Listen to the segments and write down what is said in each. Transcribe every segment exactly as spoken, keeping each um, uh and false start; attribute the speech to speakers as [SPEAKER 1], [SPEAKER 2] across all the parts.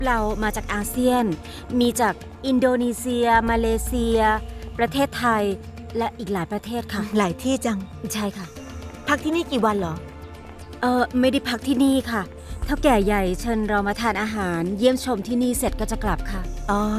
[SPEAKER 1] เรามาจากอาเซียนมีจากอินโดนีเซียมาเลเซียประเทศไทยและอีกหลายประเทศค่ะ
[SPEAKER 2] หลายที่จัง
[SPEAKER 1] ใช่ค่ะ
[SPEAKER 2] พักที่นี่กี่วันเหรอ
[SPEAKER 1] เออไม่ได้พักที่นี่ค่ะเท่าแก่ใหญ่เชิญเรามาทานอาหารเยี่ยมชมที่นี่เสร็จก็จะกลับค่ะ
[SPEAKER 2] อ๋อ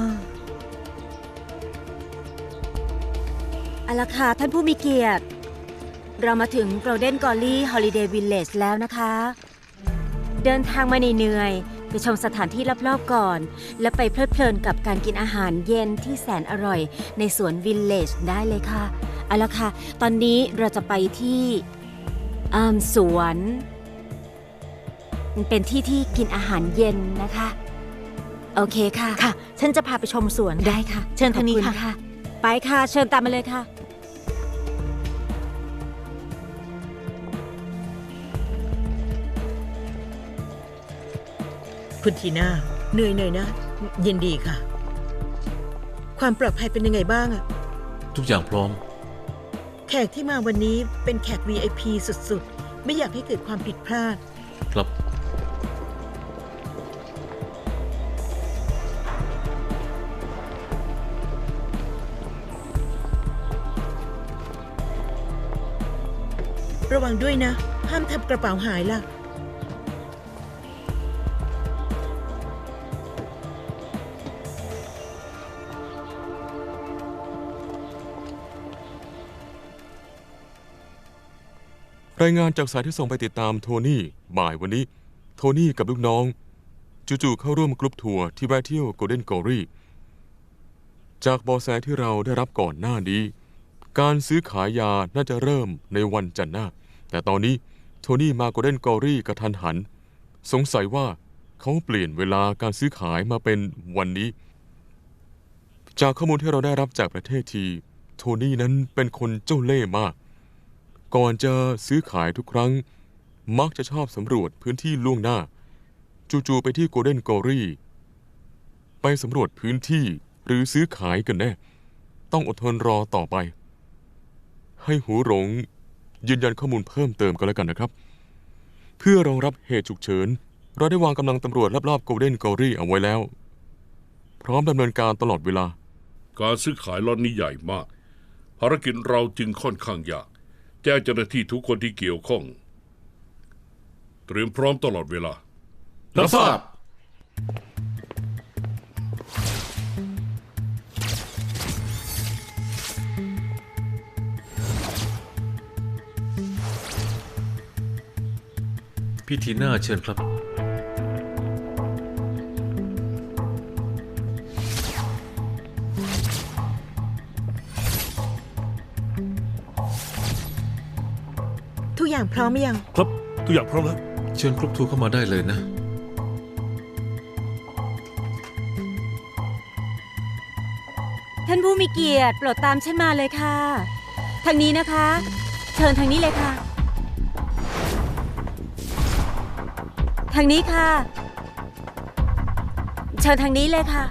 [SPEAKER 1] เอาละค่ะท่านผู้มีเกียรติเรามาถึง Golden Gully Holiday Village แล้วนะคะเดินทางมาเหนื่อยๆไปชมสถานที่รอบๆก่อนแล้วไปเพลิดเพลินกับการกินอาหารเย็นที่แสนอร่อยในสวน Village ได้เลยค่ะเอาละค่ะตอนนี้เราจะไปที่สวนมันเป็นที่ที่กินอาหารเย็นนะคะโอเคค่ะ
[SPEAKER 2] ค่ะฉันจะพาไปชมสวน
[SPEAKER 1] ได้ค่ะ
[SPEAKER 2] เชิญทางนี้
[SPEAKER 1] ค่ะไปค่ะเชิญตามมาเลยค่ะ
[SPEAKER 2] คุณทีน่าเหนื่อยหน่อยนะยินดีค่ะความปลอดภัยเป็นยังไงบ้างอะ
[SPEAKER 3] ทุกอย่างพร้อม
[SPEAKER 2] แขกที่มาวันนี้เป็นแขก วี ไอ พี สุดๆไม่อยากให้เกิดความผิดพลาด
[SPEAKER 3] ครับ
[SPEAKER 2] ระวังด้วยนะห้ามทำกระเป๋าหายล่ะ
[SPEAKER 4] รายงานจากสายที่ส่งไปติดตามโทนี่บ่ายวันนี้โทนี่กับลูกน้องจู่ๆเข้าร่วมกรุ๊ปทัวร์ที่แวะเที่ยว Golden Gully จากเบาะแสที่เราได้รับก่อนหน้านี้การซื้อขายยาน่าจะเริ่มในวันจันทร์หน้าแต่ตอนนี้โทนี่มา Golden Gully กระทันหันสงสัยว่าเขาเปลี่ยนเวลาการซื้อขายมาเป็นวันนี้จากข้อมูลที่เราได้รับจากประเทศทีโทนี่นั้นเป็นคนเจ้าเล่ห์มากก่อนจะซื้อขายทุกครั้งมักจะชอบสำรวจพื้นที่ล่วงหน้าจู่ๆไปที่ Golden Gully ไปสำรวจพื้นที่หรือซื้อขายกันแน่ต้องอดทนรอต่อไปให้หูหลงยืนยันข้อมูลเพิ่มเติมกันแล้วกันนะครับเพื่อรองรับเหตุฉุกเฉินเราได้วางกำลังตำรวจรอบๆ Golden Gully เอาไว้แล้วพร้อมดำเนินการตลอดเวลา
[SPEAKER 5] การซื้อขายล็อตนี้ใหญ่มากภารกิจเราจึงค่อนข้างยากแจ้งเจ้าหน้าที่ทุกคนที่เกี่ยวข้องเตรียมพร้อมตลอดเวลา
[SPEAKER 3] รับทราบพี่ทีน่าเชิญครับ
[SPEAKER 2] ทุกอย่างพร้อมหรือยัง
[SPEAKER 6] ครับทุกอย่างพร้อมแล้ว
[SPEAKER 3] เชิญกรุ๊ปทัวร์เข้ามาได้เลยนะ
[SPEAKER 1] ท่านผู้มีเกียรติโปรดตามฉันมาเลยค่ะทางนี้นะคะเชิญทางนี้เลยค่ะทางนี้ค่ะเชิญทางนี้เลยค่ะ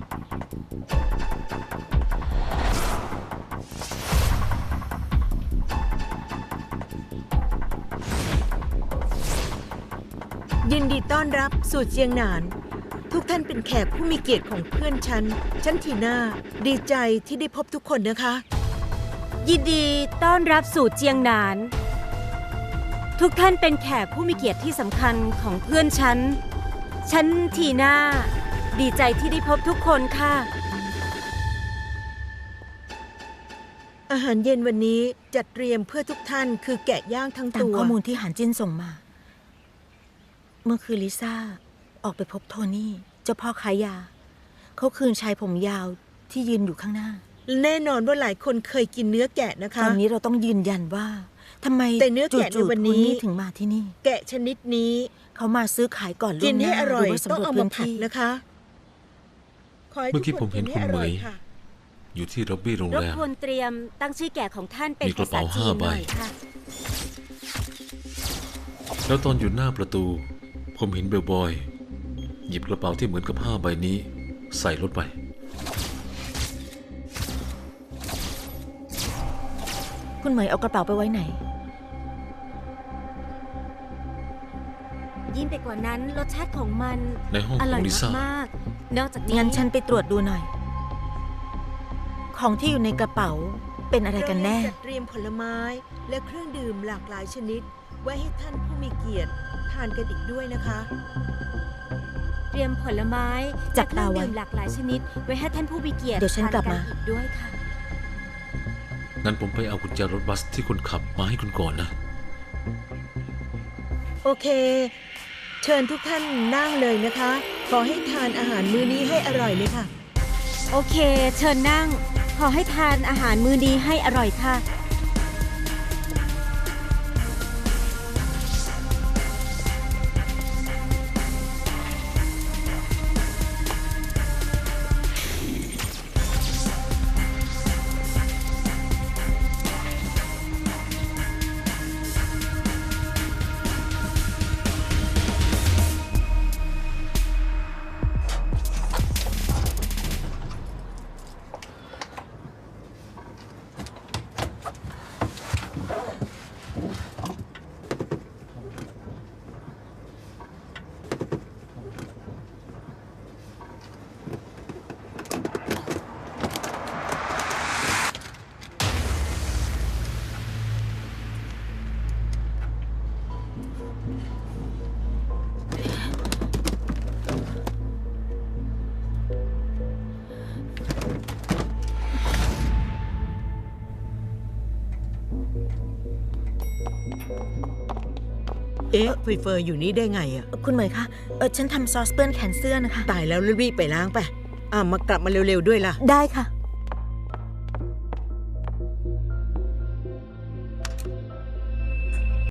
[SPEAKER 2] ยินดีต้อนรับสู่เจียงหนานทุกท่านเป็นแขกผู้มีเกียรติของเพื่อนฉันฉันทีน่าดีใจที่ได้พบทุกคนนะคะ
[SPEAKER 1] ยินดีต้อนรับสู่เจียงหนานทุกท่านเป็นแขกผู้มีเกียรติที่สำคัญของเพื่อนฉันฉันทีน่าดีใจที่ได้พบทุกคนค่ะ
[SPEAKER 2] อาหารเย็นวันนี้จัดเตรียมเพื่อทุกท่านคือแกะย่างทั้งตัว
[SPEAKER 7] ตามข้อมูลที่หานจิ้นส่งมาเมื่อคืนลิซ่าออกไปพบโทนี่เจ้าพ่อขายยาเขาคืนชายผมยาวที่ยืนอยู่ข้างหน้า
[SPEAKER 2] แน่นอนว่าหลายคนเคยกินเนื้อแกะนะคะ
[SPEAKER 7] ตอนนี้เราต้องยืนยันว่าทำไม
[SPEAKER 2] แต่เนื้อแกะในวันนี้
[SPEAKER 7] ถึงมาที่นี่
[SPEAKER 2] แกะชนิดนี้
[SPEAKER 7] เขามาซื้อขายก่อนล่วงหน้า
[SPEAKER 2] กินให้อร่อยต้องเอามาผัดนะคะ
[SPEAKER 3] เมื่อกี้ผมเห็นคุณเหมยอยู่ที่ล็อบบี้โรงแรม
[SPEAKER 1] รบกวนเตรียมตั้งชื่อแกะของท่านเป็น
[SPEAKER 3] ภาษาจีนหน่อยค่ะแล้วตอนอยู่หน้าประตูผมเห็นเบลบอยหยิบกระเป๋าที่เหมือนกับผ้าใบนี้ใส่รถไป
[SPEAKER 7] คุณเหมยเอากระเป๋าไปไว้ไหน
[SPEAKER 1] ยิ่งไปกว่านั้นรสชาติของมัน
[SPEAKER 3] ในห้อง
[SPEAKER 1] อ
[SPEAKER 3] ข
[SPEAKER 1] ร่
[SPEAKER 3] อ
[SPEAKER 1] อย
[SPEAKER 3] งลิซ่า
[SPEAKER 1] มากๆนอกจากนี้
[SPEAKER 7] งั้นฉันไปตรวจดูหน่อย ของที่อยู่ในกระเป๋าเป็นอะไรกันแน่
[SPEAKER 2] เรายังจัดเตรียมผลไม้และเครื่องดื่มหลากหลายชนิด ไว้ให้ท่านผู้มีเกียรติทานกันอีกด้วยนะคะ
[SPEAKER 1] เตรียมผลไม้
[SPEAKER 7] จับ
[SPEAKER 1] และเครื่อง
[SPEAKER 7] ตาไว้
[SPEAKER 1] ดื่มหลากหลายชนิด ไว้ให้ท่านผู้มีเกียรติ
[SPEAKER 7] เดี๋ยวฉันกลับมา
[SPEAKER 1] ทนอีกด้วยค่ะ
[SPEAKER 3] งั้นผมไปเอากุญแจรถบัสที่คุณขับมาให้คุณก่อนนะ
[SPEAKER 2] โอเค เชิญทุกท่านนั่งเลยนะคะ ขอให้ทานอาหารมื้อนี้ให้อร่อยเลยค่ะ
[SPEAKER 1] โอเค เชิญนั่ง ขอให้ทานอาหารมื้อนี้ให้อร่อยค่ะ
[SPEAKER 2] เอ๊ะเฟยเฟยอยู่นี่ได้ไงอะ
[SPEAKER 7] คุณเหมยคะเออฉันทำซอสเปื้อนแขนเสื้อนะคะ
[SPEAKER 2] ตายแล้วรีบๆไปล้างไป อ่ามากลับมาเร็วๆด้วยล่ะ
[SPEAKER 7] ได้ค่ะ